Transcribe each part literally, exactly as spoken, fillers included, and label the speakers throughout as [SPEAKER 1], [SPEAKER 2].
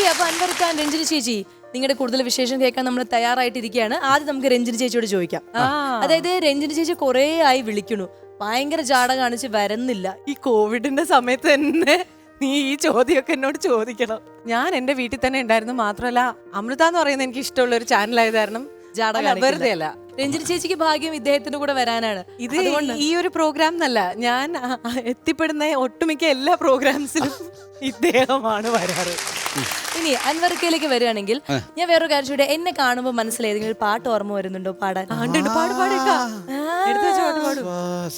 [SPEAKER 1] ശരി, അപ്പൊ അൻവർ ഖാൻ, രഞ്ജിനി ചേച്ചി, നിങ്ങളുടെ കൂടുതൽ വിശേഷം കേൾക്കാൻ നമ്മൾ തയ്യാറായിട്ടിരിക്കുകയാണ്. ആദ്യം നമുക്ക് രഞ്ജിനി ചേച്ചിയോട് ചോദിക്കാം. അതായത് രഞ്ജിനി ചേച്ചി കുറേ ആയി വിളിക്കണു, ഭയങ്കര ജാട കാണിച്ച് വരുന്നില്ല.
[SPEAKER 2] ഈ കോവിഡിന്റെ സമയത്ത് തന്നെ നീ ഈ ചോദ്യമൊക്കെ എന്നോട് ചോദിക്കണം. ഞാൻ എന്റെ വീട്ടിൽ തന്നെ ഉണ്ടായിരുന്നു. മാത്രമല്ല അമൃത എന്ന് പറയുന്നത് എനിക്ക് ഇഷ്ടമുള്ള ഒരു ചാനലായത് കാരണം
[SPEAKER 1] ജാട
[SPEAKER 2] വെറുതെ അല്ല.
[SPEAKER 1] രഞ്ജിനി ചേച്ചിക്ക് ഭാഗ്യം ഇദ്ദേഹത്തിന്റെ കൂടെ വരാനാണ്.
[SPEAKER 2] ഇത് ഈ ഒരു പ്രോഗ്രാം എന്നല്ല, ഞാൻ എത്തിപ്പെടുന്ന ഒട്ടുമിക്ക എല്ലാ പ്രോഗ്രാംസിലും ഇദ്ദേഹമാണ് വരാറ്.
[SPEAKER 1] ഇനി അൻവർക്കയിലേക്ക് വരികയാണെങ്കിൽ ഞാൻ വേറൊരു കാര്യം ചോദിക്കട്ടെ, എന്നെ കാണുമ്പോൾ മനസ്സിലായി ഏതെങ്കിലും ഒരു പാട്ട് ഓർമ്മ വരുന്നുണ്ടോ പാടാൻ?
[SPEAKER 2] പാട് പാടേക്കാ എടുത്തു വെച്ച പാട്ട് പാടും.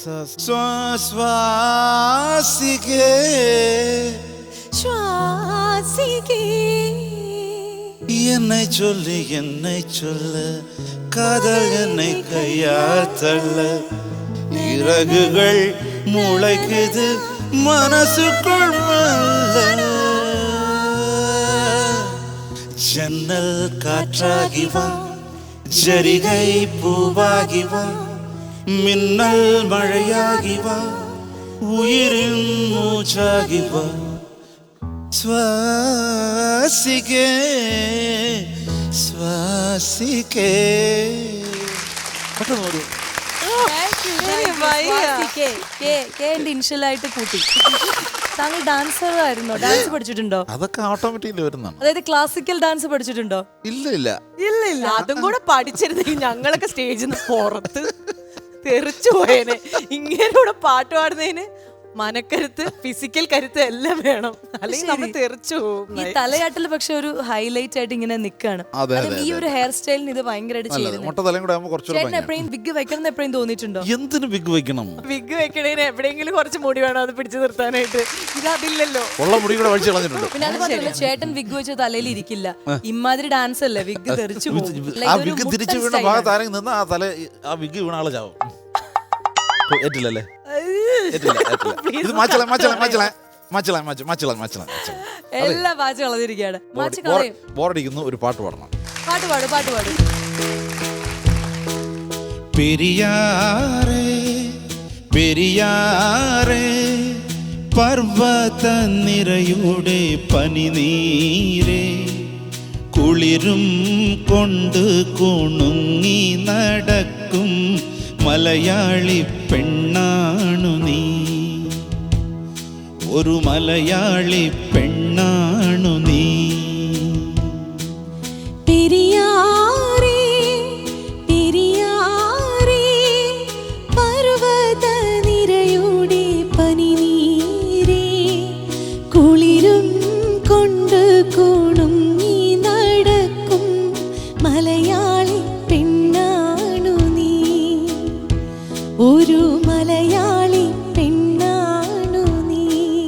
[SPEAKER 3] என்னை சொல்லு என்னை சொல்லு காதல் என்னை கையால் தள்ள இறகுகள் முளைக்குது மனசுக்குள் மெல்ல ஜன்னல் காற்றாகி வா ஜரிகை பூவாகி வா மின்னல் மழையாகி வா உயிரின் மூச்சாகி வா ശ്വാസിക്കേ ശ്വാസിക്കേ.
[SPEAKER 1] ഇൻഷ്യലായിട്ട് കൂട്ടി. താങ്കൾ ഡാൻസർ ആയിരുന്നോ? ഡാൻസ് പഠിച്ചിട്ടുണ്ടോ?
[SPEAKER 3] അതൊക്കെ ഓട്ടോമാറ്റിക്കലി വരുന്നതാണ്.
[SPEAKER 1] അതായത് ക്ലാസിക്കൽ ഡാൻസ് പഠിച്ചിട്ടുണ്ടോ?
[SPEAKER 3] ഇല്ല ഇല്ല
[SPEAKER 2] ഇല്ല ഇല്ല അതും കൂടെ പഠിച്ചിരുന്നെങ്കിൽ ഞങ്ങളൊക്കെ സ്റ്റേജിൽ നിന്ന് പുറത്ത് തെറിച്ചു പോയേനെ. ഇങ്ങനെയൂടെ പാട്ട് പാടുന്നതിന് മനക്കരുത്ത്, ഫിസിക്കൽ കരുത്ത് എല്ലാം വേണം, അല്ലെങ്കിൽ നമ്മൾ തെറിച്ചു പോകും.
[SPEAKER 1] ഈ തലയാട്ടിൽ പക്ഷെ ഒരു ഹൈലൈറ്റ് ആയിട്ട് ഇങ്ങനെ നിൽക്കാണ്. ഈ ഒരു ഹെയർ സ്റ്റൈലിന് ഇത് ഭയങ്കരമായിട്ട് എപ്പോഴും വിഗ് വെക്കണം എന്ന് എപ്പോഴും തോന്നിയിട്ടുണ്ടോ?
[SPEAKER 3] എന്തിനു വിഗ് വെക്കണം?
[SPEAKER 2] വിഗ് വെക്കണേന് എവിടെയെങ്കിലും കുറച്ച് മുടി വേണം അത് പിടിച്ചു നിർത്താനായിട്ട്. ഇതതില്ലല്ലോ,
[SPEAKER 3] ഉള്ള മുടി കൂടെ വലിച്ചു കളഞ്ഞിട്ടുണ്ട്.
[SPEAKER 1] പിന്നെ അത് മാത്രമല്ല, ചേട്ടൻ വിഗ് വെച്ച തലയിൽ ഇരിക്കില്ല. ഇമ്മാതിരി ഡാൻസ് അല്ലേ, വിഗ് തെറിച്ചു പോകും.
[SPEAKER 3] ആ വിഗ് തിരിച്ചു വീണ ഭാഗത്ത് ആരെങ്കിലും നിന്ന് ആ തല ആ വിഗ് വീണ ആള് ചാവും. ഏറ്റില്ലല്ലേ? ഇത് മാച്ചള മാച്ചള മാച്ചള മാച്ചള മാച്ചള മാച്ചള
[SPEAKER 1] എല്ലാം മാച്ച് കളഞ്ഞിരിക്കുകയാണ്.
[SPEAKER 3] ബോറടിക്കുന്നു, ഒരു പാട്ട് പാടണം.
[SPEAKER 1] പാട്ട് പാട് പാട്ട് പാട്.
[SPEAKER 3] പെരിയാറേ പെരിയാറേ പർവ്വത നിരയുടെ പനിനീരേ കുളിരും കൊണ്ട് കുണുങ്ങി നടക്കും മലയാളി പെണ്ണാണു നീ, ഒരു മലയാളി പെണ്ണാണു നീ.
[SPEAKER 4] പെരിയാറേ പെരിയാറേ പർവ്വത നിരയുടെ പനിനീരേ കുളിരും കൊണ്ട് കുണുങ്ങി നടക്കും മലയാളി പെണ്ണാണു നീ, ഒരു മലയാളി പെണ്ണാണു നീ.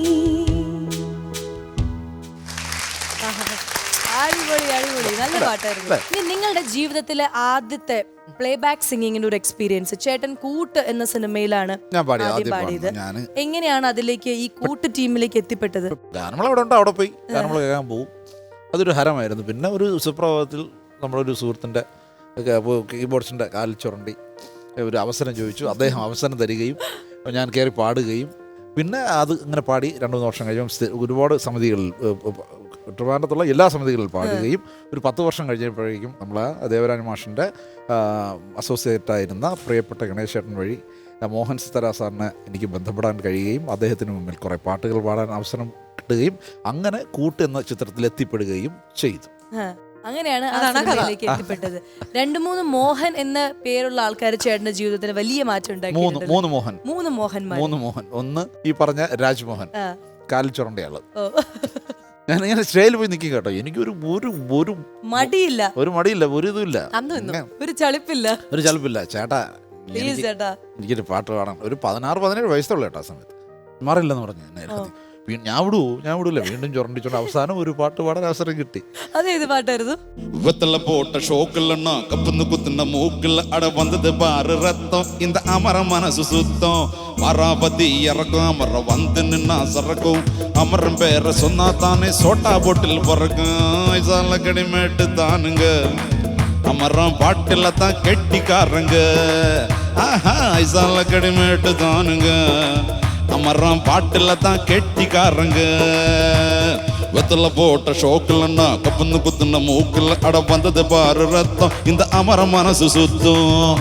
[SPEAKER 1] അടിപൊളി അടിപൊളി, നല്ല പാട്ടായിരുന്നു. ഇനി നിങ്ങളുടെ ജീവിതത്തിലെ ആദ്യത്തെ പ്ലേ ബാക്ക് സിംഗിങ്ങിന്റെ ഒരു എക്സ്പീരിയൻസ്, ചേട്ടൻ കൂട്ട് എന്ന സിനിമയിലാണ് ആദ്യം പാടിയത്. എങ്ങനെയാണ് അതിലേക്ക് ഈ കൂട്ട് ടീമിലേക്ക് എത്തിപ്പെട്ടത്?
[SPEAKER 3] ഗാനങ്ങൾ അവിടെ ഉണ്ട്, അവിടെ പോയി ഗാനങ്ങൾ കേൾക്കാൻ പോകും. അതൊരു ഹരമായിരുന്നു. പിന്നെ ഒരു സുപ്രഭാതത്തിൽ നമ്മളൊരു സുഹൃത്തിൻ്റെ കീബോർഡ്സിൻ്റെ കാലിൽ ചുരണ്ടി ഒരു അവസരം ചോദിച്ചു. അദ്ദേഹം അവസരം തരികയും ഞാൻ കയറി പാടുകയും പിന്നെ അത് ഇങ്ങനെ പാടി രണ്ട് മൂന്ന് വർഷം കഴിയുമ്പോൾ ഒരുപാട് സമിതികളിൽ ട്രിവാൻഡ്രത്തുള്ള എല്ലാ സമിതികളിൽ പാടുകയും ഒരു പത്ത് വർഷം കഴിഞ്ഞപ്പോഴേക്കും നമ്മൾ ദേവരാജ മാഷിൻ്റെ അസോസിയേറ്റായിരുന്ന പ്രിയപ്പെട്ട ഗണേശേട്ടൻ വഴി മോഹൻ സിത്താര സാറിനെ എനിക്ക് ബന്ധപ്പെടാൻ കഴിയുകയും അദ്ദേഹത്തിന് മുമ്പിൽ കുറേ പാട്ടുകൾ പാടാൻ അവസരം കിട്ടുകയും അങ്ങനെ കൂട്ട് എന്ന ചിത്രത്തിൽ എത്തിപ്പെടുകയും ചെയ്തു.
[SPEAKER 1] അങ്ങനെയാണ് അതിലേക്ക് എത്തിപ്പെട്ടത്. രണ്ടു മൂന്ന് മോഹൻ എന്ന പേരുള്ള ആൾക്കാർ ചേട്ടന്റെ ജീവിതത്തിൽ വലിയ മാറ്റം ഉണ്ടാക്കി.
[SPEAKER 3] മൂന്ന് മോഹൻ
[SPEAKER 1] മൂന്ന് മോഹൻ
[SPEAKER 3] മൂന്ന് മോഹൻ ഒന്ന് ഈ പറഞ്ഞ രാജ്മോഹൻ, കാലിൽ ചുരണ്ടയാള്. ഞാൻ ഇങ്ങനെ സ്റ്റേജിൽ പോയി നിൽക്കും കേട്ടോ, എനിക്കൊരു ഒരു ഒരു
[SPEAKER 1] മടിയില്ല,
[SPEAKER 3] ഒരു മടിയില്ല, ഒരു ഇതുമില്ല,
[SPEAKER 1] ഒരു ചളിപ്പില്ല,
[SPEAKER 3] ഒരു ചളിപ്പില്ല. ചേട്ടാ എനിക്കൊരു പാട്ട് പാടാൻ ഒരു പതിനാറ് പതിനേഴ് വയസ്സുള്ള കേട്ടോ ആ സമയത്ത് മാറില്ലെന്ന് പറഞ്ഞു. ഞാൻ വിടുവോ ഞാൻ വിടൂല, വീണ്ടും ചുരണ്ടിച്ചോണ്ട് അവസാനം ഒരു പാട്ട് പാടാൻ അവസരം കിട്ടി.
[SPEAKER 1] അതേത് പാട്ടായിരുന്നു?
[SPEAKER 5] வெத்தல போட்ட ஷோக்குலன்னா கப்புன்னு குத்துன மூக்குல அட வந்தது பாரு ரத்தம் இந்த அமர மனசு சுத்தம் மராபதி இறக்கும் அமர வந்து நின்னா சறக்கும் அமரம் பேர சொன்னா தானே சோட்டா போட்டில் பிறக்கும் இசால கடிமேட்டு தானுங்க அமரம் பாட்டில தான் கெட்டிக்காரங்க ஆஹா இசால கடிமேட்டு தானுங்க அமரம் பாட்டில தான் கெட்டிக்காரங்க வெத்தல போட்ட ஷோக்கில் அண்ணா கப்புன்னு குத்துன மூக்கில் அட வந்தது பாரு ரத்தம் இந்த அமர மனசு சுத்தம்.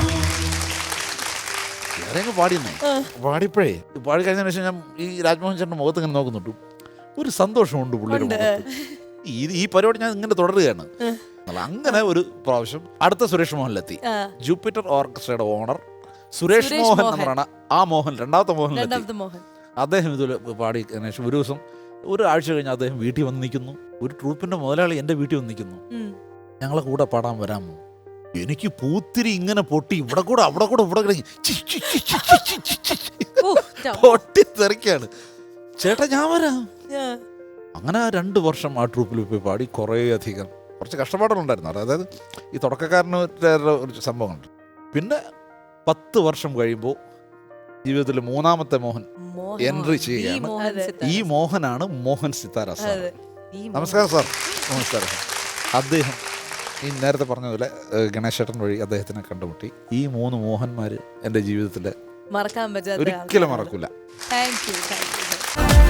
[SPEAKER 3] വേറെ പാടിയെന്നേ പാടിപ്പോഴേ പാടി കഴിഞ്ഞതിന് ശേഷം ഞാൻ ഈ രാജ്മോഹൻ ചേട്ടൻ്റെ മുഖത്ത് ഇങ്ങനെ നോക്കുന്നുണ്ട്, ഒരു സന്തോഷമുണ്ട് പുള്ളിയുടെ മുഖത്ത്. ഈ ഈ പരിപാടി ഞാൻ ഇങ്ങനെ തുടരുകയാണ്. അങ്ങനെ ഒരു പ്രാവശ്യം അടുത്ത സുരേഷ് മോഹനിലെത്തി. ജൂപ്പിറ്റർ ഓർക്കസ്ട്രയുടെ ഓണർ സുരേഷ് മോഹൻ എന്ന് പറയുന്ന ആ മോഹൻ, രണ്ടാമത്തെ മോഹനിലെത്തി. അദ്ദേഹം ഇതിൽ പാടി ശേഷം ഒരു ദിവസം ഒരു ആഴ്ച കഴിഞ്ഞ് അദ്ദേഹം വീട്ടിൽ വന്ന് നിൽക്കുന്നു. ഒരു ട്രൂപ്പിന്റെ മുതലാളി എൻ്റെ വീട്ടിൽ വന്ന് നിൽക്കുന്നു, ഞങ്ങളെ കൂടെ പാടാൻ വരാമോ? എനിക്ക് പൂത്തിരി ഇങ്ങനെ പൊട്ടി ഇവിടെ കൂടെ അവിടെ കൂടെ ഇവിടെ കിടങ്ങി പൊട്ടി തെറിക്കാണ്. ചേട്ടാ ഞാൻ വരാം. അങ്ങനെ ആ രണ്ട് വർഷം ആ ട്രൂപ്പിൽ പോയി പാടി. കുറേ അധികം കുറച്ച് കഷ്ടപ്പാടുകളുണ്ടായിരുന്നു. അതായത് ഈ തുടക്കക്കാരന് ഒരു സംഭവമുണ്ട്. പിന്നെ പത്ത് വർഷം കഴിയുമ്പോൾ ജീവിതത്തിൽ മൂന്നാമത്തെ മോഹൻ എൻട്രി ചെയ്യുകയാണ്. ഈ മോഹനാണ് മോഹൻ സിത്താര സാർ. നമസ്കാരം സാർ. നമസ്കാരം സാർ. അദ്ദേഹം ഈ നേരത്തെ പറഞ്ഞ പോലെ ഗണേശ് ചേട്ടൻ വഴി അദ്ദേഹത്തിനെ കണ്ടുമുട്ടി. ഈ മൂന്ന് മോഹന്മാർ എൻ്റെ ജീവിതത്തിൽ
[SPEAKER 1] മറക്കാൻ പറ്റാത്ത
[SPEAKER 3] ഒരിക്കലും മറക്കില്ല.
[SPEAKER 1] Thank U.